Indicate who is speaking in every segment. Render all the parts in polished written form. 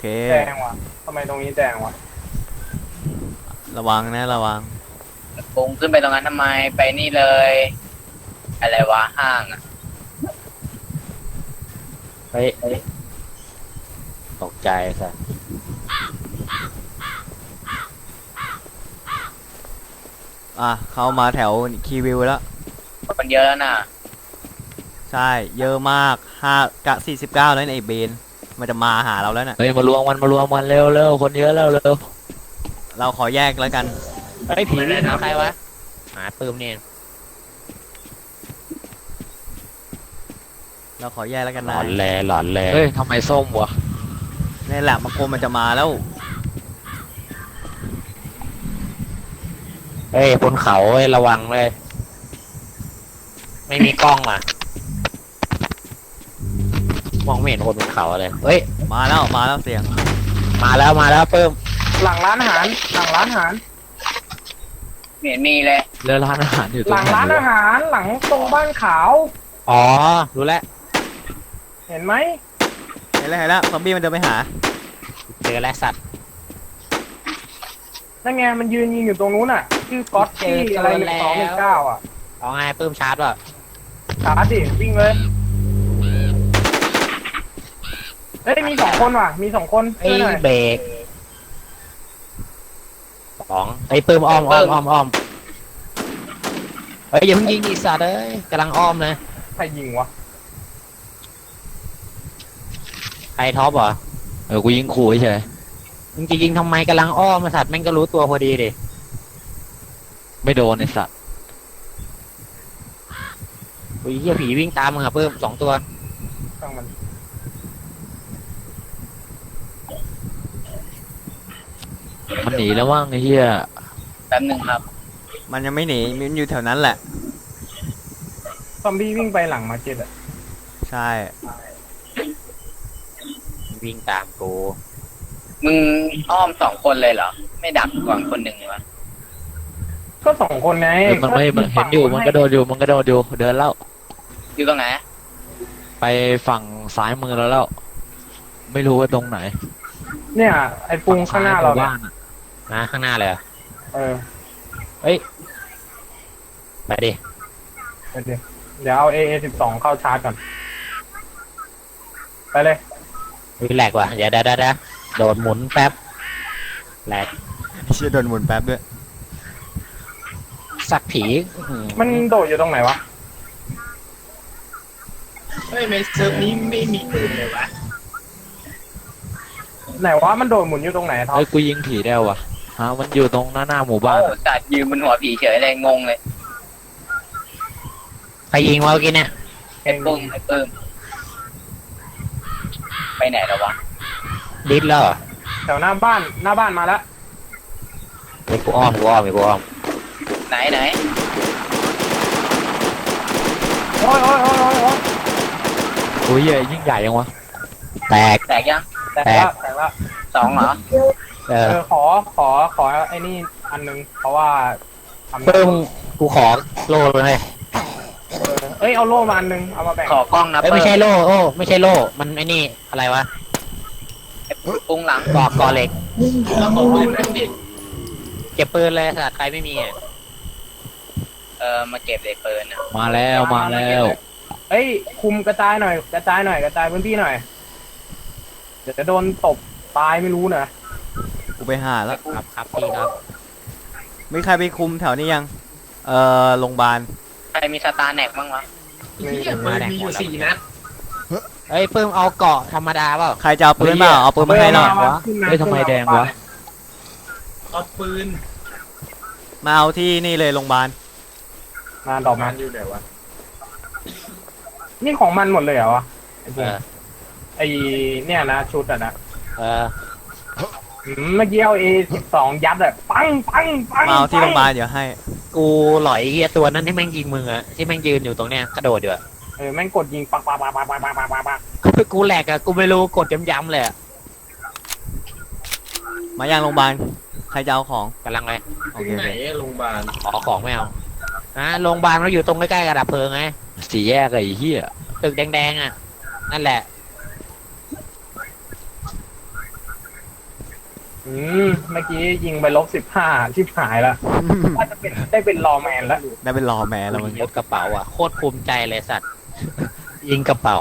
Speaker 1: เค
Speaker 2: แดงวะทำไมตรงนี้แดงวะ
Speaker 1: ระวังนะระวัง
Speaker 3: ปุงขึ้นไปตรงนั้นทำไมไปนี่เลย อะไรวะห้างอ่ะ
Speaker 4: เฮ้ยตกใจซะ
Speaker 1: เข้ามาแถวคีวิวแล้ว
Speaker 3: คนเยอะแล้วน่ะ
Speaker 1: ใช่เยอะมาก49แล้วไอ้เบนมันจะมาหาเราแล้วน่ะ
Speaker 4: เฮ้ยมารวมมันเร็วเร็วคนเยอะแล้วเร็ว
Speaker 1: เราขอแยกแล้วกัน
Speaker 4: เฮ้ยผีวิ่งหาใครวะหาปืมเนี่ย
Speaker 1: เราขอแยกแล้วกัน
Speaker 4: หล
Speaker 1: นะ
Speaker 4: อนแลเฮ้ยทำไมส้มวะ
Speaker 1: นี่แหละมากรมันจะมาแล้ว
Speaker 4: เฮ้ยบนเขาเฮ้ยระวังเลยไม่มีกล้องอ่ะมองไม่เห็นคนบนเขาเลยเฮ้ย
Speaker 1: มาแล้วเสียง
Speaker 4: มาแล้วเพิ่ม
Speaker 2: หลังร้านอาหารหลังร้านอาหาร
Speaker 3: เห็นมีเลย
Speaker 4: เรือร้านอาหารอยู่ตรง
Speaker 2: หลังร้านอาหารหลังตรงบ้านขาว
Speaker 4: อ๋อรู้แล้ว
Speaker 2: เห็นไหม
Speaker 1: เห็นแล้วซอมบี้มันเดินไปหา
Speaker 4: เจอแล้วสัตว์
Speaker 2: นั่นไงมันยืนยิงอยู่ตรงนู้นอ่ะชื่อก๊อตที่อะไร1219อ่ะ
Speaker 4: เอาไงเพิ่มชาร์จป่ะ
Speaker 2: ชาร์จดิวิ่งเลยเฮ้ยมี2 คนว่ะมี2 คน
Speaker 4: ไอ้
Speaker 2: ช่วยหน่อย
Speaker 4: เบรกไอ้เพิ่มอ้อมเฮ้ยอย่าเพิ่งยิงอีสัตว์เอ้ยกำลังอ้อมเลย
Speaker 2: ใครยิงวะ
Speaker 4: ใครท็อปเหรอกูยิงขู่เฉยมึงจะยิงทำไมกำลังอ้อมสัตว์แม่งก็รู้ตัวพอดีดิไม่โดนไอ้สัตว์โอ้ยเหี้ยผีวิ่งตามมึงอะเพิ่ม2 ตัว
Speaker 2: ช่างมัน
Speaker 4: หนีแล้วว่างไอ้เหี้ย
Speaker 3: แป๊บหนึ่งครับ
Speaker 1: มันยังไม่หนีมันอยู่แถวนั้นแหละ
Speaker 2: ซอมบี้วิ่งไปหลังมาร์เก็ตอ่ะ
Speaker 1: ใช่
Speaker 4: วิ่งตามกู
Speaker 3: มึงอ้อม2 คนเลยเหรอไม่ดักก่อนคนหนึ่งวะ
Speaker 2: ก็2 คนไง
Speaker 4: มันไม่เห็นอยู่มันก็โดนอยู่เดินแล้ว
Speaker 3: อยู่ตรงไหน
Speaker 4: ไปฝั่งซ้ายมือแล้วไม่รู้ว่าตรงไหน
Speaker 2: เนี่ยไอ้ปุงข้างหน้าเรา
Speaker 4: บ้านนะข้างหน้าเลยเฮ้ยไปดิ
Speaker 2: เดี๋ยวเอา AA12 เข้าชาร์จก่อนไปเลย
Speaker 4: แหลกว่ะเดี๋ยวโดดหมุนแป๊บแหลก
Speaker 1: เชี่ยโดนหมุนแป๊บด้วย
Speaker 4: สักผี
Speaker 2: มันโดดอยู่ตรงไหนวะ
Speaker 3: เฮ้ยในเซิร์ฟนี้ไม่มีปืนเลยวะ
Speaker 2: ไหนวะมันโดดหมุนอยู่ตรงไหนท็อป
Speaker 4: เฮ้ยกูยิงผีได้วะฮะมันอยู่ตรงหน้าหมู่บ้าน
Speaker 3: ตัดยืนบนหัวผีเฉยเลยงงเลย
Speaker 4: ใครยิงวะเมื่อกี้เนี่ย
Speaker 3: ไอ้ปุ้มไปไหนแล้ววะ
Speaker 4: ดิสแล้ว
Speaker 2: แถวหน้าบ้านมาแล้ว
Speaker 4: ไอ้กูอ้อม
Speaker 3: ไหน
Speaker 2: โอ้ย
Speaker 4: โอ้ยยิ่งใหญ่ยังวะแตก
Speaker 3: ยัง
Speaker 2: แตกแล้ว
Speaker 3: 2เหรอ
Speaker 2: ขอไอ้นี่อันนึงเพราะว่า
Speaker 4: เพิ่มกูขอโล่เลย
Speaker 2: เอ้ยเอาโล่มาอันนึงเอามาแบ่ง
Speaker 3: ขอกล้องนะ
Speaker 4: ไม่ใช่โล่ไม่ใช่โล่มันไอ้นี่อะไรวะ
Speaker 3: ปุ้งหลัง
Speaker 4: ก่อเหล็ก
Speaker 3: ของปืนดิ
Speaker 4: เก็บปืนเลยสัตว์ใครไม่มี
Speaker 3: มาเก็บเด็กปืน
Speaker 4: มาแล้ว
Speaker 2: เอ้ยคุมกระจายกระจายพื้นที่หน่อยเดี๋ยวจะโดนตบตายไม่รู้นะ
Speaker 1: กูไปหาแล้ว
Speaker 4: ครับพี่ครับ
Speaker 1: มีใครไปคุมแถวนี้ยังโรงพยาบาล
Speaker 3: ใครมีสตาร์แน็กบ้างวะ
Speaker 4: มีอยู่4 นัดเฮ้ยปื้มเอาเกาะธรรมดาเปล่า
Speaker 1: ใครจะเอาปืนมาเอาปืนมาให้หน่อยวะ
Speaker 4: เฮ้ยทำไมแดงวะ
Speaker 3: เอาปืน
Speaker 1: มาเอาที่นี่เลยโรงพยาบาล
Speaker 2: มาดอกมันอยู่ไหนวะนี่ของมันหมดเลยเหรอวะไอเนี่ยนะชุดอ่ะนะเมื่อกี้เอา A12 ยัดอะปัง
Speaker 1: มาเอาที่โรงพยาบาลเดี๋ยวให้
Speaker 4: กูหลอยเฮียตัวนั้นที่แม่งยิงมึงอะที่แม่งยืนอยู่ตรงเนี้ยกระโดดอยู่อะ
Speaker 2: แม่งกดยิงปัง
Speaker 4: กูแหลกอะกูไม่รู้กดย้ำเลย
Speaker 1: มายังโรงพยาบาลใครจะเอาของ
Speaker 4: กำลังเลย
Speaker 1: โอเค
Speaker 3: ไหนโรงพยาบาล
Speaker 4: ขอของไม่เอาโรงพยาบาลเราอยู่ตรงใกล้ๆกับดับเพลิงไง4 แยกไอ้เหี้ยตึกแดงๆอะนั่นแหละ
Speaker 2: เมื่อกี้ยิงไป-15ชิบหายละว่าจะเป็นได้เป็นรอแมนแล้ว
Speaker 1: ได้เป็นรอแม่แล้วมึง
Speaker 4: ยกกระเป๋าอ่ะโคตรภูมิใจเลยสัตว์ ยิงกระเป๋า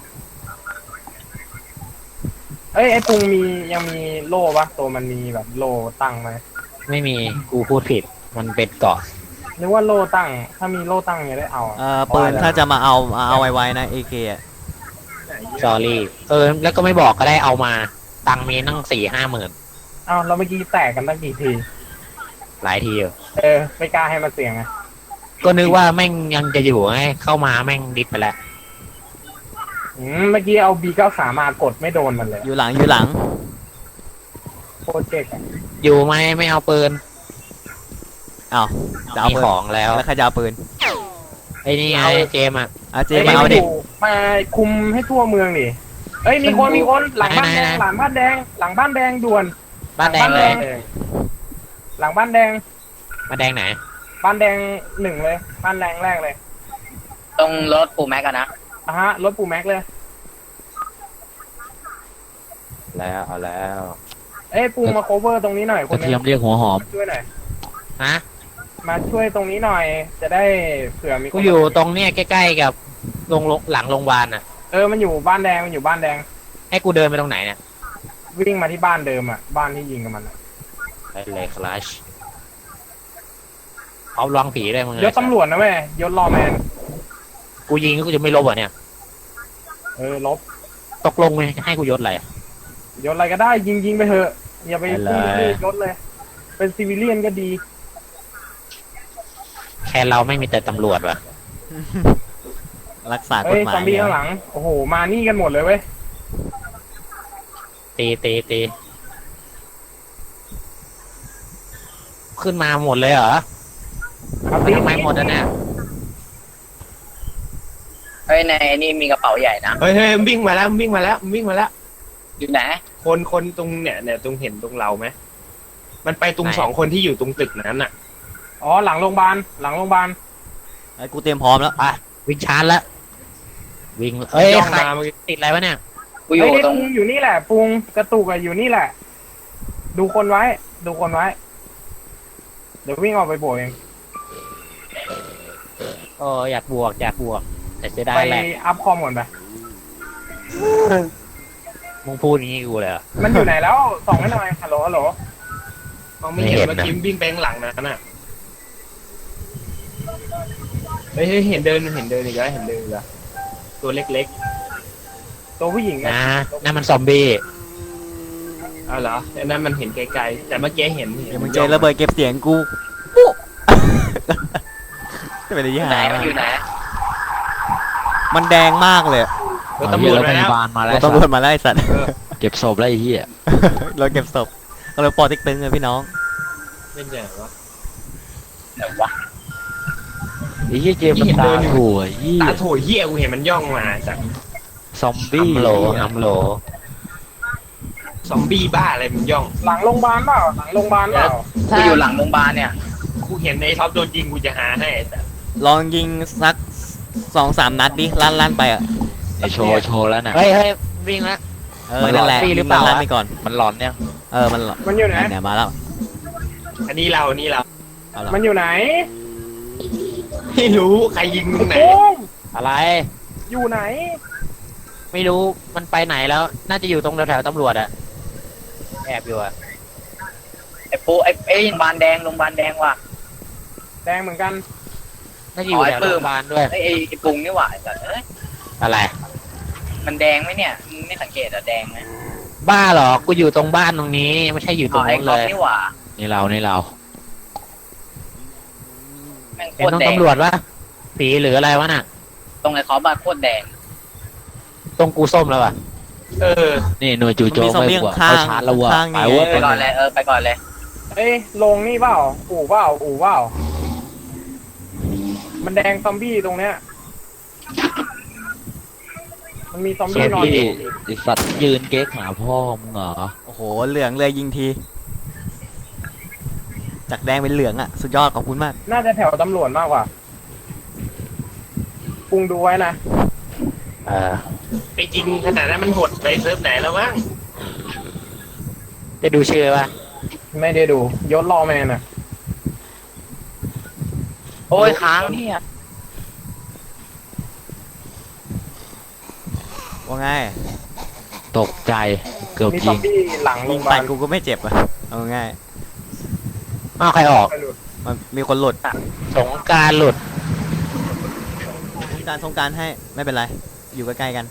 Speaker 2: เอ้ยไอ้ปุงยังมีโล่ปะตัวมันมีแบบโล่ตั้งไหม
Speaker 4: ไม่มีกูพูดผิด มันเป็นเกาะ
Speaker 2: นึกว่าโล่ตั้ง ถ้ามีโล่ตั้งจะได้เอาอะ
Speaker 1: ปืนถ้าจะมาเอาไว้นะเอเคอะ
Speaker 4: s อรี่แล้วก็ไม่บอกก็ได้เอามา ตังค์มีตั้ง4-5หมื่น
Speaker 2: เอาเราเมื่อกี้แตกกันตั้งกี่ที
Speaker 4: หลายทีอยู่
Speaker 2: ไม่กล้าให้มันเสี่ยงไง
Speaker 4: ก็นึกว่าแม่งยังจะอยู่ไงเข้ามาแม่งดิบไปแล้ว
Speaker 2: เมื่อกี้เอา B93 มากดไม่โดนมันเลย
Speaker 1: อยู่หลัง
Speaker 2: โคตรเจ๊กอะ
Speaker 4: อยู่ไหมไม่เอาปืน
Speaker 1: อ้าวจะเอา
Speaker 4: มี
Speaker 1: ปืน
Speaker 4: ของแล้ว
Speaker 1: แล้วใครจะเอาปืน
Speaker 4: ไอ้นี่ไงเจมส์อ่ะ
Speaker 1: เจมาเอาดิ
Speaker 2: มาคุมให้ทั่วเมืองดิเอ้ยมีคนหลังบ้านแดงหลังบ้านแดงหลังบ้านแดงด่วน
Speaker 4: บ้านแดงเลย
Speaker 2: หลังบ้านแดง
Speaker 4: บ้านแดงไหน
Speaker 2: บ้านแดง1เลยบ้านแดงแรกเลย
Speaker 3: ตรงรถปูแม็กกันนะ
Speaker 2: ฮะรถปูแม็กเลย
Speaker 4: แล้วเอาแล้ว
Speaker 2: เอ้ยปูมาโคเวอร์ตรงนี้หน่อยค
Speaker 4: กระ
Speaker 2: นนึ
Speaker 4: เทียม
Speaker 2: ง
Speaker 4: เรียกหัวหอม
Speaker 2: ช่วยหน่อย
Speaker 4: ฮะ
Speaker 2: มาช่วยตรงนี้หน่อย จะได้เผื่อมีคน
Speaker 4: กูอยู่ตรงเนี้ยใกล้ๆกับหลังโรงพยาบาลอ่ะ
Speaker 2: มันอยู่บ้านแดงมันอยู่บ้านแดง
Speaker 4: ให้กูเดินไปตรงไหนเนี่ย
Speaker 2: วิ่งมาที่บ้านเดิมอ่ะบ้านที่ยิงกับมันอะ
Speaker 4: ไปเลยคลาชเอาลองผีได้มึง
Speaker 2: ยศตำรวจนะแม่ยศรอแมน
Speaker 4: กูยิงกูจะไม่ลบอ่ะเนี่ย
Speaker 2: ลบ
Speaker 4: ตกลงไหมให้กูยศอะไร
Speaker 2: ยศอะไรก็ได้ยิงไปเถอะอย่าไป
Speaker 4: ไปเลย
Speaker 2: พูดชื่อยศเลย เป็นซิวิเลียนก็ดี
Speaker 4: แค่เราไม่มีแต่ตำรวจว่ะ
Speaker 1: รักษากฎ
Speaker 2: เฮ้ย
Speaker 1: หมา
Speaker 2: ซอย มบี้ข้างหลังโอ้โหมานี่กันหมดเลยเว้ย
Speaker 4: ตีขึ้นมาหมดเลยเหรอ
Speaker 2: ครับ
Speaker 4: ทำไมหมดอ่ะเนี่ย
Speaker 3: เฮ้ยในนี่มีกระเป๋าใหญ่นะ
Speaker 5: เฮ้ยมันวิ่งมาแล้วมันวิ่งมาแล้วมันวิ่งมาแล้ว
Speaker 3: อยู่ไหน
Speaker 5: คนตรงเนี่ยตรงเห็นตรงเราไหมมันไปตรง2 คนที่อยู่ตรงตึกนั้นน่ะ
Speaker 2: อ๋อหลังโรงพยาบาลหลังโรงพยาบาล
Speaker 1: กูเตรียมพร้อมแล้ว
Speaker 4: วิ่งชาร์จแล้ววิ่งเอ้ย
Speaker 5: ย่อง
Speaker 4: ใคร
Speaker 5: มาเมื่อกี้
Speaker 4: ติดอะไรวะเนี่ย
Speaker 3: กูอยู่
Speaker 2: เฮ้ย
Speaker 3: ตรง
Speaker 2: ปุงอยู่นี่แหละปุงกระตุกอะอยู่นี่แหละ ดูคนไว้ ดูคนไว้ เดี๋ยววิ่งออกไปโบกเอง
Speaker 4: อยากบวกแต่จะได้
Speaker 2: ไป
Speaker 4: แหละ
Speaker 2: อัพคอมก่อนไป
Speaker 4: มึงพูดอย่างนี้กูเลยเหรอ
Speaker 2: มันอยู่ไหนแล้วส่องให้หน่อยฮัลโหลฮัลโหล
Speaker 5: มองไม่เห็น
Speaker 4: ไม่เห็น
Speaker 5: เมื่อ
Speaker 4: นะ
Speaker 5: กี้มันวิ่งไปข้างหลังนั้นน่ะเฮ้ยเห็นเดินอีกแล้วเห็นเดินอีกแล้วตัวเล็ก
Speaker 2: ตัวผู้หญิง
Speaker 4: นะนั่นมันซอมบี้
Speaker 5: ๆเอาเหรออันนั้นมันเห็นไกลๆแต่เมื่อกี้เห็น
Speaker 1: เดี๋ยวมึงเจอระเบิดเก็บเสียงกูปุ๊จะเป็นอะไรที่
Speaker 3: ไหน
Speaker 1: หาย
Speaker 3: มันอยู่ไหน
Speaker 1: มันแดงมากเลย
Speaker 5: รถตำรวจมาแล้ว
Speaker 4: มาแล้ว
Speaker 1: ตำรวจมาไล่สัตว์
Speaker 4: เก็บศพแล้วไอ้เหี้ย
Speaker 1: เราเก็บศพเราปอติ๊กตึงเลยพี่น้อง
Speaker 5: เป็นยังไงวะ
Speaker 3: ไหนวะ
Speaker 4: ไอ้เหี้ยเจมส์มันตาถั่วเหี้ย
Speaker 5: ตาโถเหี้ยกูเห็นมันย่องมาจาก
Speaker 4: ซอมบี้ฮัมโหล
Speaker 5: ซอมบี้บ้าอะไรมันย่อง
Speaker 2: หลังโรงพยาบาลเปล่าหลังโรงพยาบาลเปล่า
Speaker 3: กูอยู่หลังโรงพยาบาลเนี่ย
Speaker 5: กูเห็นไอ้ท็อปโดนยิงกูจะหาให้แต่
Speaker 1: ลองยิงสัก2-3 นัดดิลั่นไปอ่ะ
Speaker 4: โชว์แล้วนะเฮ้ยวิ่งแล้ว
Speaker 1: นั่นแหละ
Speaker 4: มันหลอนฟรีหรือเปล่า
Speaker 1: ลั่นไปก่อน
Speaker 4: มันหลอนเนี่ย
Speaker 1: มันหลอน
Speaker 2: มันอยู่ไหน
Speaker 1: เนี่ยมาแล้ว
Speaker 5: อันนี้เรา
Speaker 1: เอาละ
Speaker 2: มันอยู่ไหน
Speaker 5: ไม่รู้ใครยิงตรงไหน
Speaker 2: ปุ้ง
Speaker 4: อะไร
Speaker 2: อยู่ไหน
Speaker 4: ไม่รู้มันไปไหนแล้ว น่าจะอยู่ตรงแถวๆตำรวจอะแอบอยู่อะ
Speaker 3: ไอ้ปูไอ้โรงพยาบาลแดงโรงพยาบาลแดงว่ะ
Speaker 2: แดงเหมือนกัน
Speaker 4: น่าจะอยู่แถวโรงพยาบาลด้วย
Speaker 3: ไอ้ปุงนี่หว่าไอ้สัตว์เอ้ย
Speaker 4: อะไร
Speaker 3: มันแดงไหมเนี่ยมึงไม่สังเกตเหรอแดงไหม
Speaker 4: บ้าเหรอ กูอยู่ตรงบ้านตรงนี้ ไม่ใช่อยู่ต
Speaker 3: อ๋
Speaker 4: ร
Speaker 3: อง ไอ้
Speaker 4: นู้น
Speaker 3: ก๊
Speaker 4: เล
Speaker 3: อฟ
Speaker 4: ย
Speaker 3: นี่หว่า
Speaker 4: นี่เรา
Speaker 3: แม่งโค
Speaker 4: เห็น
Speaker 3: ตร
Speaker 4: ตรง
Speaker 3: แดง
Speaker 4: ตำรวจวะสีหรืออะไรวะน่ะ
Speaker 3: ตรงไอ้คอบ้านโคตรแดง
Speaker 4: ตรงกูส้มแล้วอะ
Speaker 5: เออ
Speaker 4: นี่หน่วยจู่โจ
Speaker 1: มี
Speaker 4: ม
Speaker 1: ซอม
Speaker 4: ไม่
Speaker 1: บี้
Speaker 4: กว่า
Speaker 1: ข้า
Speaker 4: เขา
Speaker 1: ง
Speaker 4: ชาร์จแล้ววะ
Speaker 1: ข้าง
Speaker 4: ไป
Speaker 1: นี่
Speaker 4: เว้ย
Speaker 3: ไปก่อนเลยไปก่อนเลย
Speaker 2: ลงนี่เปล่าอู่เปล่ามันแดงซอมบี้ตรงเนี้ย มันมีซอมบี้นอนอยู่
Speaker 4: ไอสัตว์ยืนเก๊กหาพ่อมึงเหรอ
Speaker 1: โอ้โหเหลืองเลยยิงทีจากแดงเป็นเหลืองอ่ะสุดยอดขอบคุณมาก
Speaker 2: น่าจะแถวตำรวจมากกว่าปุงดูไว้นะ
Speaker 5: ไปจริงขนาดนั้นมันหดไปเซิร์ฟไหนแล้วมั้ง
Speaker 4: จะดูชื่อป่ะ
Speaker 2: ไม่ได้ดูยศรอแมนอ่ะ
Speaker 3: โอ้ยค้างเนี่ย
Speaker 1: ว่าไง
Speaker 4: ตกใจเกือบ
Speaker 2: มีซ
Speaker 4: ยิ
Speaker 2: อม
Speaker 4: ง
Speaker 2: บี้หลังโร
Speaker 1: ยิ
Speaker 2: ง
Speaker 1: ง
Speaker 2: พยา
Speaker 1: ไป
Speaker 2: บาล
Speaker 1: กูก็ไม่เจ็บอะเอาง่าย
Speaker 4: อ้าวใครออก
Speaker 1: มันมีคนหลุด
Speaker 4: สงกรารหลุด
Speaker 1: สงกรารให้ไม่เป็นไร อยู่ใกล้ๆกัน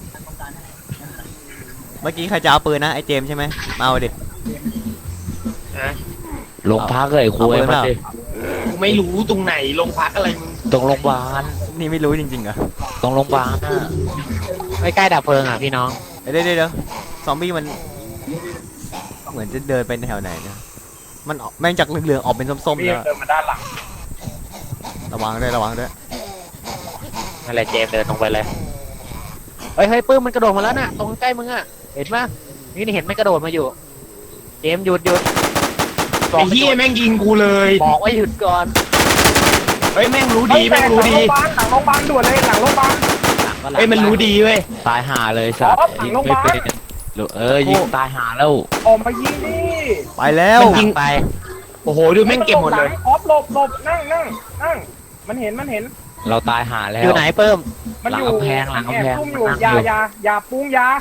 Speaker 1: เมื่อกี้ใครจะเอาปืนนะไอ้เจมส์ใช่ไหมมาเอาดิ
Speaker 5: นะ
Speaker 4: ลงพักเลยคุย
Speaker 1: เอาปืน
Speaker 4: มา
Speaker 1: เปล่า
Speaker 4: ดิ
Speaker 5: กูไม่รู้ตรงไหนโรงพักอะไรมึง
Speaker 4: ตรงโรงพยาบาล
Speaker 1: นี่ไม่รู้จริงๆเหรอ
Speaker 4: ตรงโรงพยาบาลน่ะไม่ใกล้ดับเพลิงอ่ะพี่น้อง
Speaker 1: เดี๋ยวซอมบี้มัน เหมือนจะเดินไปแถวไหนเนี่ยมันออกแม่งจากเหลืองๆออกเป็นส้มๆ
Speaker 2: พี่
Speaker 1: แล้ว
Speaker 2: เดินมาด้านหลัง
Speaker 1: ระวังด้วยระวังด้วย
Speaker 4: นั่นแหละเจมส์เดินตรงไปเลยเฮ้ยปื้มมันกระโดดมาแล้วน่ะตรงใกล้มึงอ่ะเห็นปะนี่เห็นไม่กระโดดมาอยู่เจมส์หยุดบอ
Speaker 5: ไอ้
Speaker 4: ก
Speaker 5: เหี้ยแม่งยิงกูเลย
Speaker 4: บอกว่าหยุดก่อน
Speaker 5: เฮ้ยแม่งรู้ดีแม่งรู้ดี
Speaker 2: หลังโรงพยาบาลด่วนเลยหลังโรงพยาบาล
Speaker 5: เฮ้ยมันรู้ดีเว้ย
Speaker 4: ตายห่าเลยสัตว์
Speaker 2: อ๋อหลัง
Speaker 4: ยิง
Speaker 2: โรงพ
Speaker 4: ไม่
Speaker 2: ยาบาล
Speaker 4: เป็นยิงตายห่าแล้ว
Speaker 2: ออกมายิงดิ
Speaker 1: ไปแล้ว
Speaker 5: มันยิง
Speaker 4: ไป
Speaker 5: โอ้โหดูแม่งเก็บหมดเลย
Speaker 2: ออฟหลบนั่งมันเห็น
Speaker 4: เราตายห่าแล้ว
Speaker 1: อยู่ไหนเพิ่ม
Speaker 2: มันอยู่
Speaker 4: หลังกำแพง
Speaker 2: แอบซุ่มอยู่
Speaker 4: หลังกำแพง
Speaker 2: อย่าปุ้งยา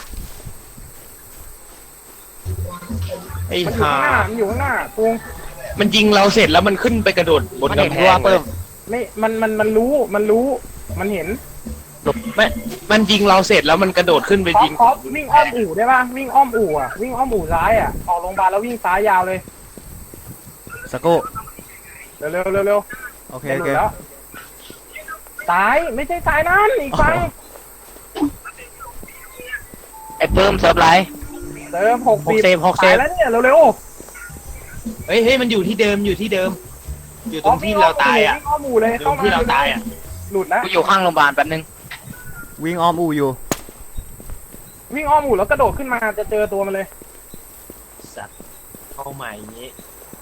Speaker 5: ไอ้
Speaker 2: มันอยู่
Speaker 5: ห่า
Speaker 2: ข้างหน้ามันอยู่ข้างหน้าปุ้ง
Speaker 5: มันยิงเราเสร็จแล้วมันขึ้นไปกระโดดบน
Speaker 4: มันเห็น
Speaker 5: กำแพ
Speaker 4: ว่าง
Speaker 5: เล
Speaker 4: เพิ่
Speaker 5: ย
Speaker 4: ม
Speaker 2: ไม่มันรู้มันเห็น
Speaker 5: มันยิงเราเสร็จแล้วมันกระโดดขึ้นไปยิง
Speaker 2: คอปวิ่งอ้อมอู่ได้ป่ะวิ่งอ้อมอู่อ่ะวิ่งอ้อมอู่ซ้ายอ่ะออกโรงพยาบาลแล้ววิ่งซ้ายยาวเลย
Speaker 1: สกครู่
Speaker 2: เร็ว
Speaker 1: โอเค
Speaker 2: จะ
Speaker 1: โอ
Speaker 2: หลุ
Speaker 1: เค
Speaker 2: ดแล้วซ้ายไม่ใช่ซ้ายนั่นอีกฝั่ง
Speaker 3: ไอ้เพิ่มเซิร์ฟไลท์
Speaker 2: เติม60
Speaker 4: 6 เซฟ
Speaker 2: ตายแล้วเนี่ยเร็ว
Speaker 5: เฮ้ยมันอยู่ที่เดิมอยู่ที่เดิม อยู่
Speaker 2: ๆ
Speaker 5: ตรงที่เราตายอ่ะ
Speaker 2: วิ่งอ้อมอู่เลย
Speaker 5: ตรงที่เราตายอ่ะ
Speaker 2: หลุดแล้ว
Speaker 3: กูอยู่ข้างโรงพยาบาลแป๊บนึง
Speaker 1: วิ่งอ้อมอูอยู่
Speaker 2: วิ่งอ้อมอู่แล้วกระโดดขึ้นมาจะเจอตัวมันเลย
Speaker 5: สัตว์เข้าใหม่อย่างงี้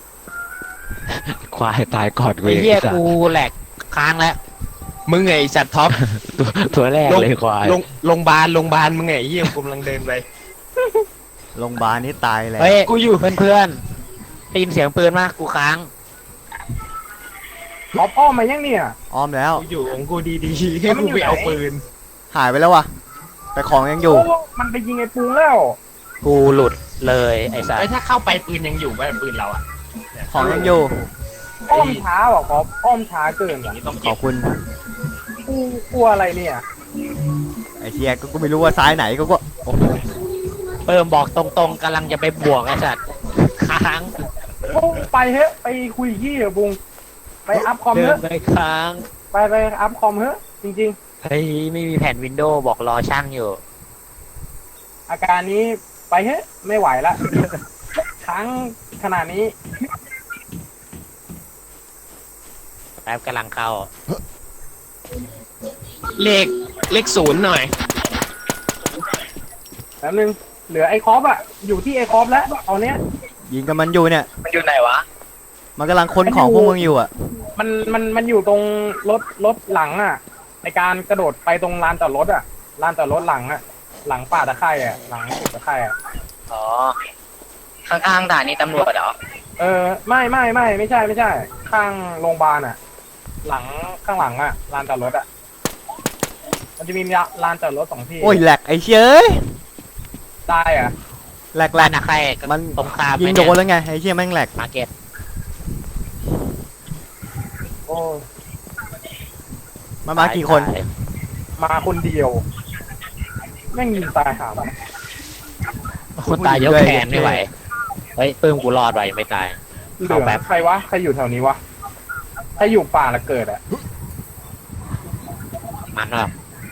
Speaker 4: ควายตายก่อนกู
Speaker 6: ไอ้
Speaker 4: อีก
Speaker 6: เหี้ย
Speaker 4: สัต
Speaker 6: กู
Speaker 4: ว์
Speaker 6: แหลกค้างแล้ว
Speaker 5: มึงไงไอ้สัตว์ท็อป
Speaker 4: ตัวแรกเลยควาย
Speaker 5: โรงพยาบาลมึงไงไอ้เหี้ยกูกำลังเดินไป
Speaker 1: โรงพยาบาลนี่ตายแล้ว
Speaker 6: เฮ้ย
Speaker 5: กูอยู่
Speaker 6: เพื่อนๆได้ยินเสียงปืนมากกูค้าง
Speaker 2: ล็อบอ้อมมายังเนี่ย
Speaker 1: อ้อมแล้ว
Speaker 5: กูอยู่ของกูดีๆให้กูไปเอาปืน
Speaker 1: หายไปแล้ววะแต่ของยังอยู่
Speaker 2: โอ้มันไปยิงไอ้ปุงแล้ว
Speaker 6: กูหลุดเลยไอ้สัส
Speaker 5: ไอ้ยถ้าเข้าไปปืนยังอยู่ไหมปืนเราอ่ะ
Speaker 1: ของยังอยู่
Speaker 2: อ้อมช้าว่ะครับอ้อมช้าเกิน
Speaker 5: อย่า
Speaker 2: อ่ะ
Speaker 5: งนี้ต้อง
Speaker 1: ข
Speaker 5: เก็
Speaker 1: อ
Speaker 5: บบ
Speaker 1: คุณ
Speaker 2: กูกลัวอะไรเนี่ย
Speaker 1: ไอ้เทียก็ไม่รู้ว่าซ้ายไหนก็โอ้โห
Speaker 6: เปิ่มบอกตรงๆกำลังจะไปบวกไอ้สัสค้าง
Speaker 2: ปุงไปเฮ้ยไปคุยขี้เหรอะปุงไปอัพคอม
Speaker 6: เดิ
Speaker 2: เฮ้
Speaker 6: น
Speaker 2: ย
Speaker 6: ไปค้าง
Speaker 2: ไปอัพคอมเฮ้ยจริง
Speaker 6: เฮ้ยไม่มีแผ่นวินโดว์บอกรอช่างอยู่
Speaker 2: ๆ อาการนี้ไปเฮ้ยไม่ไหวละ ค้างขนาดนี้
Speaker 6: แป๊บกำลังเข้า
Speaker 5: เลขศูนย์หน่อย
Speaker 2: แป๊บนึงเหลือไอ้คอปอะอยู่ที่ไอ้คอปแล้วเอาเนี้ย
Speaker 1: ยิงกับมันอยู่เนี่ย
Speaker 3: มันอยู่ไหนวะ
Speaker 1: มันกำลังค้นของพวกมึงอยู่อ่ะ
Speaker 2: มันอยู่ตรงรถหลังอะในการกระโดดไปตรงลานจอดรถอะลานจอดรถหลังอะหลังป่าตะไคร่อะหลังตะไคร่อะ
Speaker 3: อ๋อ ข้างๆด่านนี้ตำรวจเหรอ
Speaker 2: ไม่ใช่ข้างโรงพยาบาลอะหลังข้างหลังอะลานจอดรถอะมันจะมีลานจอดรถสองที่
Speaker 1: โอ้ยแหลกไอ้เชย
Speaker 2: ได้อะ
Speaker 1: แหลกแหล
Speaker 6: บ้าก นอะใคร
Speaker 1: มัน
Speaker 6: ตรงคาม
Speaker 1: ยิงโดนแล้วไงไอ้เชี่ยแม่งแหลก
Speaker 6: มาเก็ต
Speaker 2: โอ้
Speaker 1: มันมากี่คน
Speaker 2: มาคนเดียวแม่งยิงตายหามัน
Speaker 6: คนตายยกแขนไม่ไหวเฮ้ยเปิ่มกูรอดไว้ยังไม่ตาย
Speaker 2: เหลื
Speaker 6: เอา
Speaker 2: อ
Speaker 6: แป๊บ
Speaker 2: ใครวะใครอยู่แถวนี้วะใครอยู่ป่าละเกิดอะ
Speaker 6: มันว่ะ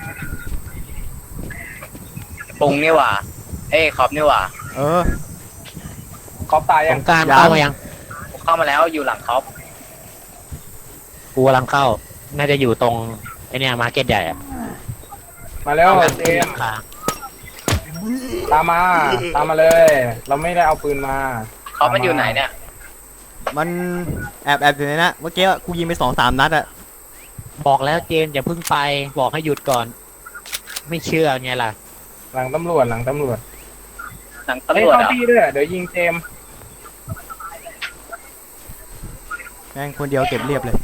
Speaker 3: ปุงนี่หว่า เอ้ยคอปนี่หว่า
Speaker 1: เออ
Speaker 2: คอปตาย
Speaker 6: ส
Speaker 2: ยัง
Speaker 6: งกราร
Speaker 1: ยัง
Speaker 6: เข้ามายัง
Speaker 3: เข้ามาแล้วอยู่หลังคอป
Speaker 6: กูกำลังเข้า น่าจะอยู่ตรงไอเนี่ยมาร์เก็ตใหญ่อะ
Speaker 2: มาแล้ว
Speaker 6: เอา
Speaker 2: เจมส์
Speaker 6: ค้าง
Speaker 2: ตามมาเลย เราไม่ได้เอาปืนมา
Speaker 3: คอปมันอยู่ไหนเนี่ย
Speaker 1: มันแอบอยู่ในนะเมื่อกี้กูยิงไป2-3 นัดอะ
Speaker 6: บอกแล้วเจนอย่าเพิ่งไปบอกให้หยุดก่อน ไม่เชื่อไงล่ะ
Speaker 2: หลังตำรวจ
Speaker 3: หลัง
Speaker 2: เฮ้ย
Speaker 3: ตำรวจ
Speaker 2: เข้า
Speaker 3: เหรอ
Speaker 2: ที่ด้วยเดี๋ยวยิงเจมส์
Speaker 1: แม่งคนเดียวเก็บเรียบเลย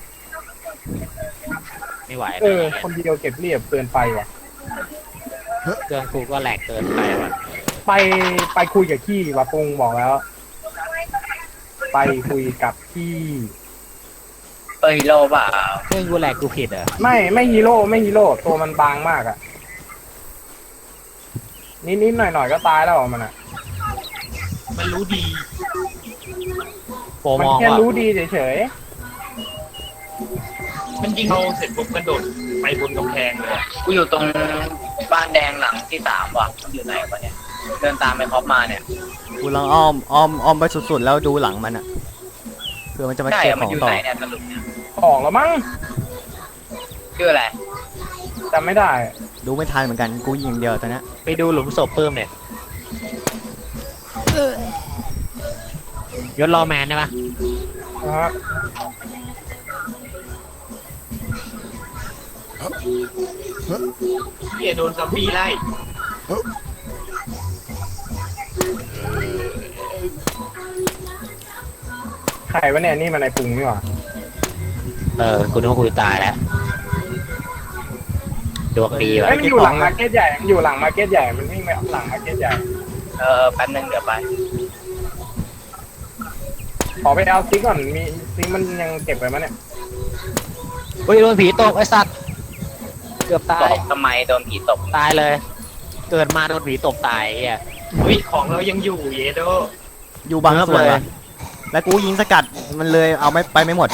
Speaker 6: ไม่ไหว
Speaker 2: คนเดียวเก็บเรียบเกินไปว่ะ
Speaker 6: เครื่องกูก็แหลกเกินไปว่ะ
Speaker 2: ไปคุยกับขี้ว่ะปุงบอกแล้ว ไปคุยกับขี้
Speaker 3: ฮีโร่เปล่า
Speaker 6: เครื่องกูแหลกกูผิดเหรอ
Speaker 2: ไม่ฮีโร่ตัวมันบางมากอะนิดหน่อยก็ตายแล้วมันอะ
Speaker 5: มันรู้ดี
Speaker 6: โปร
Speaker 2: มั
Speaker 6: ม
Speaker 2: น
Speaker 6: อง
Speaker 2: แค่
Speaker 6: ว่า
Speaker 2: รู้ดีเฉย
Speaker 5: มันยิงเราเสร็จปุ๊บกระโดดไปบนกำแพงเลยอะ
Speaker 3: กูอยู่ตรงบ้านแดงหลังที่3ว่ะอยู่ไหนวะเนี่ยเดินตามไปครอปมาเนี่ย
Speaker 1: กูลังอ้อมไปสุดๆแล้วดูหลังมันอะเพื่อมันจะมา
Speaker 3: ใช่
Speaker 1: เก็บ
Speaker 3: อะ
Speaker 1: ข
Speaker 3: มัน
Speaker 1: อง
Speaker 3: อยู่
Speaker 1: ต่อ
Speaker 3: ไหนเนี่ยสรุปเนี่ย
Speaker 2: ๆออกแล้วมั้ง
Speaker 3: ชื่ออะไร
Speaker 2: จำไม่ได้
Speaker 1: ดูไม่ทันเหมือนกันกูยิงอย่างเดียวตอนเนี้ย
Speaker 6: ไปดูหลุมศพเพิ่มเนี่ยยศรอแมนได้ปะ
Speaker 2: นะฮะ
Speaker 5: เฮียโดนซอมบี้ไล่
Speaker 2: ใครวะเนี่ยนี่มันไอปุงนี่หว่า
Speaker 6: กูนึกว่าคุยตายแล้วดวงดีว่ะ
Speaker 2: เอ้ยมันอยู่หลังมาร์เก็ตใหญ่มันอยู่หลังมาร์เก็ตใหญ่มันวิ่งไปหลังมาร์เก็ตใหญ่
Speaker 3: แป๊บนึงเดี๋ยวไป
Speaker 2: ขอไปเอาซิกก่อนมีซิกมันยังเก็บไว้มั้ยเนี่ย
Speaker 6: เฮ้ยโดนผีตกไอ้สัตว์เกือบตา
Speaker 3: ต
Speaker 6: ย
Speaker 3: กทำไมโดนผีตก
Speaker 6: ตายเลย เกิดมาโดนผีตกตายไอ้เหี้ย
Speaker 5: เฮ้ยของเรายังอยู่เยโด
Speaker 1: อยู่บางส่วน
Speaker 6: เลย
Speaker 1: ว่ะแล้วกูยิงสกัดมันเลยเอาไม่ไปไม่หมด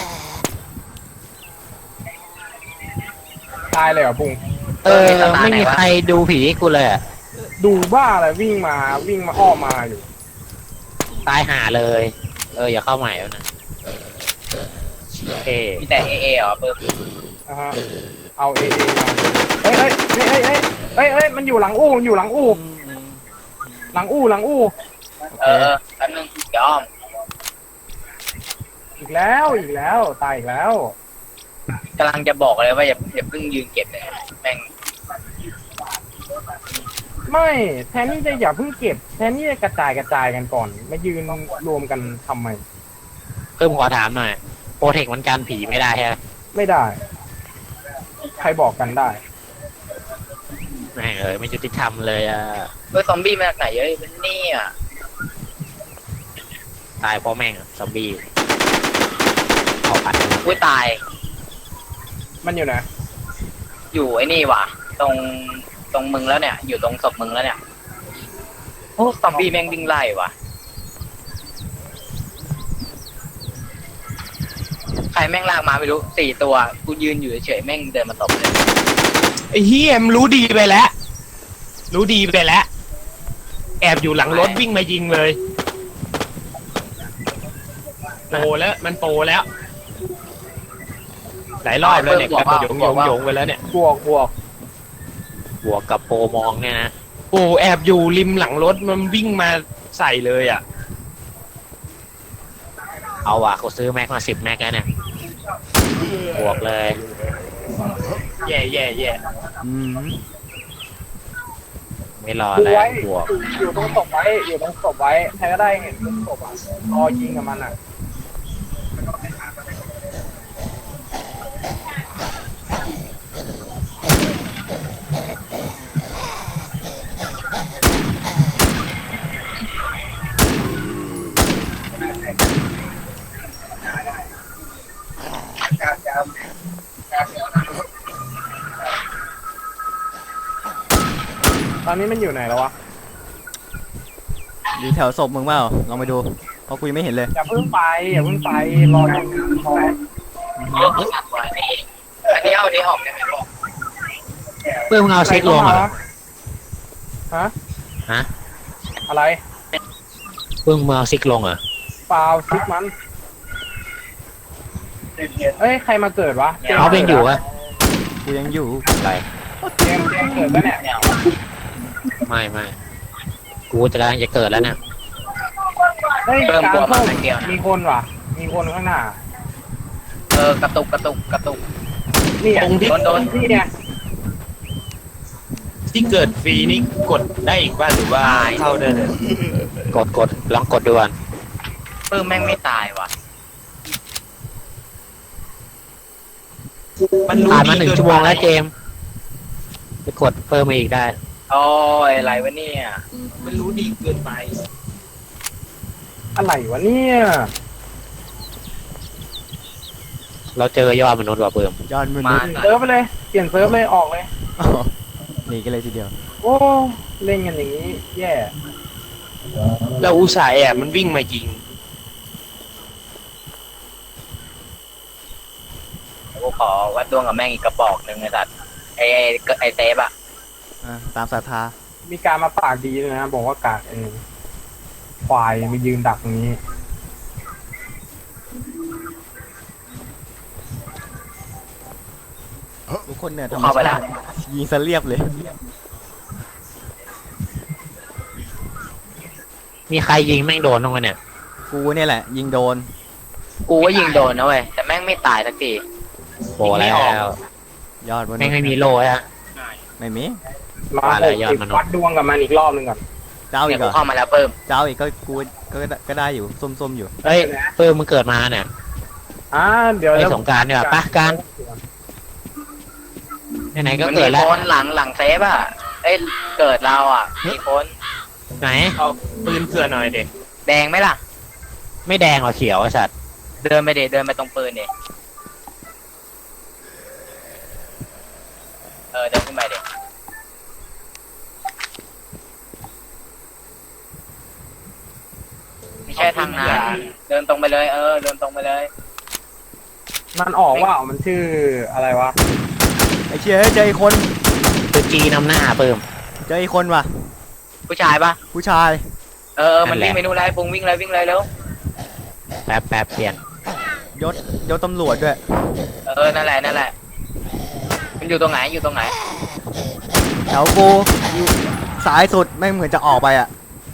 Speaker 2: ตายเลยเหรอปุง
Speaker 6: ไม่มีใครดูผีให้กูเลยอะ
Speaker 2: ดูบ้าอะไรวิ่งมาอ้อมมาอยู่
Speaker 6: ตายหาเลย อย่าเข้าใหม่แล้วนะเอ
Speaker 3: มีแต่เอเหรอเปิด
Speaker 2: นะฮะเอาเอมาเฮ้ยมันอยู่หลังอู่มันอยู่หลังอู่หลังอู่
Speaker 3: แป๊บนึงเดี๋ยวอ้อม
Speaker 2: อีกแล้วตายอีกแล้ว
Speaker 3: กำลังจะบอกเลยว่าอย่าเพิ่งยืนเก็บเลยแม่ง
Speaker 2: ไม่แทนที่จะอย่าเพิ่งเก็บแทนที่จะกระจายกันก่อนมายืนรวมกันทำไม
Speaker 6: เพิ่มขอถามหน่อยโปรเทคมันกันผีไม่ได้ใช่ไหม
Speaker 2: ไม่ได้ ใครบอกกันได้
Speaker 6: แม่งไม่ยุติธรรมเลยอ่ะ
Speaker 3: ซอมบี้มาจากไหนเยอะเป็นนี่อ่ะ
Speaker 6: ตายเพราะแม่งซอมบี้เอาปัด
Speaker 3: อุ้ยตาย
Speaker 2: มันอยู่ไหน
Speaker 3: อยู่ไอ้นี่ว่ะตรงมึงแล้วเนี่ยอยู่ตรงศพมึงแล้วเนี่ยโอ้ซอมบี้แม่งวิ่งไล่ว่ะใครแม่งลากมาไม่รู้4 ตัวกูยืนอยู่เฉยๆแม่งเดินมาตบเลย
Speaker 5: ไอ้เฮียมนรู้ดีไปแล้ว รู้ดีไปแล้ว แอบอยู่หลังรถวิ่งมายิงเลยโปแล้วมันโปแล้ว หลายรอบแล้วเนี่ยกระโดดยงไปแล้วเนี่ย
Speaker 2: บวก
Speaker 6: บวกกับโปรมองเนี่ยนะ
Speaker 5: โอ้แอบอยู่ริมหลังรถมันวิ่งมาใส่เลยอ่ะ
Speaker 6: เอาว่ะกูซื้อแม็กมา10 แม็กแล้วเนี่ยบวกเลย
Speaker 5: แย่
Speaker 1: อืม
Speaker 6: ไม่รอ
Speaker 2: ดู
Speaker 6: แล้ว
Speaker 2: ไว้
Speaker 6: บวก
Speaker 2: อยู่ตรงศพไว้ใครก็ได้เห็นตรงศพอ่ะรอยิงกับมันอ่ะ ตอนนี้มันอยู่ไหนแล้ววะ
Speaker 1: อยู่แถวศพมึงเปล่าลองไปดูเพราะกูยังไม่เห็นเลย
Speaker 2: อย่าเพิ่งไปรอยิงพอ
Speaker 3: อันนี้เอาอันนี้ออกได้ไหมบอก
Speaker 6: เพื่อนมึงเอาเช็คลงเหรอ
Speaker 2: ฮะ
Speaker 6: ฮะ
Speaker 2: อะไร
Speaker 6: เพื่อนมึงเอาซิกลงเหรอ
Speaker 2: เปล่าซิกมันเอ้ยใครมาเกิดวะ
Speaker 6: เขาเป็นอยู่อะ
Speaker 1: กูยังอยู่
Speaker 6: อะไร
Speaker 2: เจมส์เกิดปะเนี่ย
Speaker 3: เนี่ย
Speaker 6: ไม่กูจะกำลังจะเกิดแล้วเนี่ย
Speaker 2: เฮ้ย
Speaker 3: เพิ่ม
Speaker 2: การ
Speaker 3: ตัวมา
Speaker 2: ส้ม
Speaker 3: ไม่เกี่ยวนะ
Speaker 2: มีคนว่ะ มีคนข้างหน้า
Speaker 3: กระตุก
Speaker 2: นี่อ่ะ
Speaker 5: ตรงที่
Speaker 3: โดน
Speaker 2: นี่เนี่ย
Speaker 5: ที่เกิดฟรีนี่กดได้อีกว่าหรือว่าเข้าได้เลย
Speaker 6: กดลองกดดูก่อน
Speaker 3: ปื้มแม่งไม่ตายว่ะ
Speaker 5: มันรู้
Speaker 6: ผ่านมา
Speaker 5: ดี
Speaker 6: 1
Speaker 5: เกิน
Speaker 6: ชั่วโมงแล้ว
Speaker 5: ไป
Speaker 6: เจมส์ไปกดเพิ่มมาอีกได้
Speaker 3: โอ้ยอะไรวะเนี่ย
Speaker 5: มันรู้ดีเกินไป
Speaker 2: อะไรวะเนี่ย
Speaker 6: เราเจอยอดมนุษย์ว่ะเพิ่ม
Speaker 1: ยอดมนุ
Speaker 3: มา
Speaker 1: ษย์
Speaker 2: เซิร์ฟไปเลย เปลี่ยนเซิร์ฟเลยออกเลย
Speaker 1: อ๋อหนีกันเลยทีเดียว
Speaker 2: โอ้เล่นกันอย่างนี้ แย่
Speaker 5: เราอุตส่าห์แอบมันวิ่งมายิง
Speaker 3: กูขอวัดดวงกับแม่งอีกกระบอกหนึ่งไอ้สัตว์ไอเซฟอะ
Speaker 1: ตามศรัทธา
Speaker 2: มีการมาปากดีเลยนะ บอกว่ากากควายมายืนดักตรงนี้
Speaker 1: ทุกคนเนี่ย
Speaker 3: กูเข้าไปแล้ว
Speaker 1: ยิงซะเรียบเลย
Speaker 6: มีใครยิงแม่งโดนตรงกันเนี่ย
Speaker 1: กูเนี่ยแหละ ยิงโดน
Speaker 3: กูก็ยิงโดนนะเว้ยแต่แม่งไม่ตายสักที
Speaker 6: โบแล้ว
Speaker 1: ยอดมนุษย์
Speaker 6: แม่งไม่มีโล่ฮะ
Speaker 1: ไม่มี
Speaker 2: มา
Speaker 6: ว่าอะไร
Speaker 2: 60
Speaker 6: ยอดมนุษย์
Speaker 2: วัดดวงกับมันอีกรอบหนึ่งก่อน
Speaker 1: เจ้าอี
Speaker 3: เนี่ย
Speaker 1: กเหร
Speaker 3: กู
Speaker 1: อ
Speaker 3: เข้ามาแล้วเพิ่ม
Speaker 1: เจ้าอีกก็กูก็ได้อยู่ส้มๆอยู่
Speaker 6: เฮ้ยเพิ่มมึงเกิดมาเนี่ย
Speaker 2: เดี๋ยว
Speaker 6: ไอ้สงกรารเนี่ยปะการไหนๆก็
Speaker 3: มัน
Speaker 6: เกิ
Speaker 3: มี
Speaker 6: ดแล้ว
Speaker 3: คนหลังเซฟอะเอ้ยเกิดเราอะมีคน
Speaker 6: ไหน
Speaker 5: เอาปืนเผื่อหน่อยเด็ก
Speaker 3: แดงไหมล่ะ
Speaker 6: ไม่แดงหรอเขียวไอ้สัตว์
Speaker 3: เดินไปเดินไปตรงปืนดิเดินขึ้นไปดิไม่ใช่ทางนั้นเดินตรงไปเลยเดินตรงไปเลย
Speaker 2: มันออกว่ามันชื่ออะไรวะ
Speaker 1: ไอ้เชี่ยเฮ้ยเจออีกคน
Speaker 6: ตัวจีนำหน้าเพิ่ม
Speaker 1: เจออีกคนว่ะ
Speaker 3: ผู้ชายปะ
Speaker 1: ผู้ชาย
Speaker 3: มัน
Speaker 6: นั่นแหละ
Speaker 3: วิ่งไปนู่นแล้วปุงวิ่งเลยเร็ว
Speaker 6: แป๊บเปลี่ยน
Speaker 1: ยศตำรวจด้วย
Speaker 3: นั่นแหละมันอยู่ตรงไหน
Speaker 1: แถวกูอยู่สายสุดแม่งเหมือนจะออกไปอ่ะ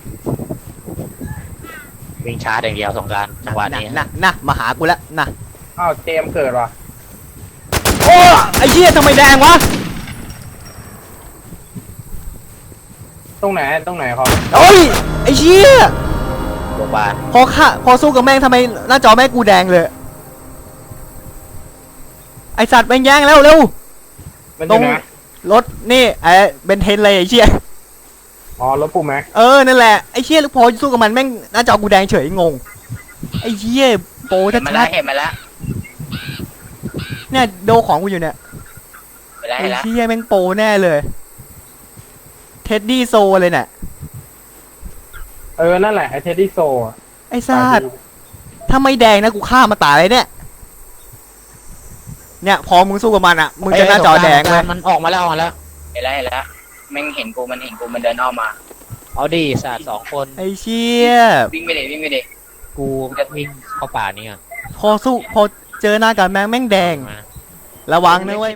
Speaker 6: วิ่งชาร์จอย่างเดียวสงกรารจังหวะนี้
Speaker 1: นะมาหากูแล้วนะ
Speaker 2: อ้าวเจมส์เกิดว่ะ
Speaker 1: โอ้ไอ้เชี่ยทำไมแดงวะ
Speaker 2: ตรงไหนครับ
Speaker 1: โอ้ยไอ้เชี่ย
Speaker 6: โรงพยาบาล
Speaker 1: พอสู้กับแม่งทำไมหน้าจอแม่งกูแดงเลยไอสัตว์แม่งแย่งแล้วเร็ว
Speaker 2: มันอ
Speaker 1: ตร
Speaker 2: ยู่
Speaker 1: ง
Speaker 2: ไหน
Speaker 1: รถนี่ไอ้เบนเทนเลยไอ้เชี่ย
Speaker 2: อ๋อรถปูแม็ก
Speaker 1: นั่นแหละไอ้เชี่ยพอสู้กับมันแม่งหน้าจอกูแดงเฉยงงไอ้เชี่ยโป
Speaker 3: ๆ
Speaker 1: ชั
Speaker 3: เห็นมา
Speaker 1: ด
Speaker 3: แล้วเห็นมาแล้ว
Speaker 1: ๆเนี่ยโดของกูอยู่เนี่ย
Speaker 3: เห็นแล้ว
Speaker 1: ไอ้
Speaker 3: เห็นแล้ว
Speaker 1: เชี่ยแม่งโปแน่เลยเท็ดดี้โซเลยเนี่ย
Speaker 2: นั่นแหละไอเทดดี้โซ
Speaker 1: ไอ้สัตว์ถ้าไม่แดงนะกูฆ่ามาตายเลยเนี่ยพอมึงสู้กับมันอ่ะมึงจะหน้าจอแดงเลย
Speaker 6: มันออกมาแล้ว
Speaker 3: เห็นแล้วแม่งเห็นกูมันเดินอ้อมมา
Speaker 6: เอาดิสัตว์2 คน
Speaker 1: ไอ้เชี่ย
Speaker 3: วิ่งไปดิ
Speaker 6: กูวิ่งเข้าป่านี้ก่อน
Speaker 1: พอเจอหน้ากันแม่งแดง
Speaker 6: มา
Speaker 1: ระวังนะเว้ย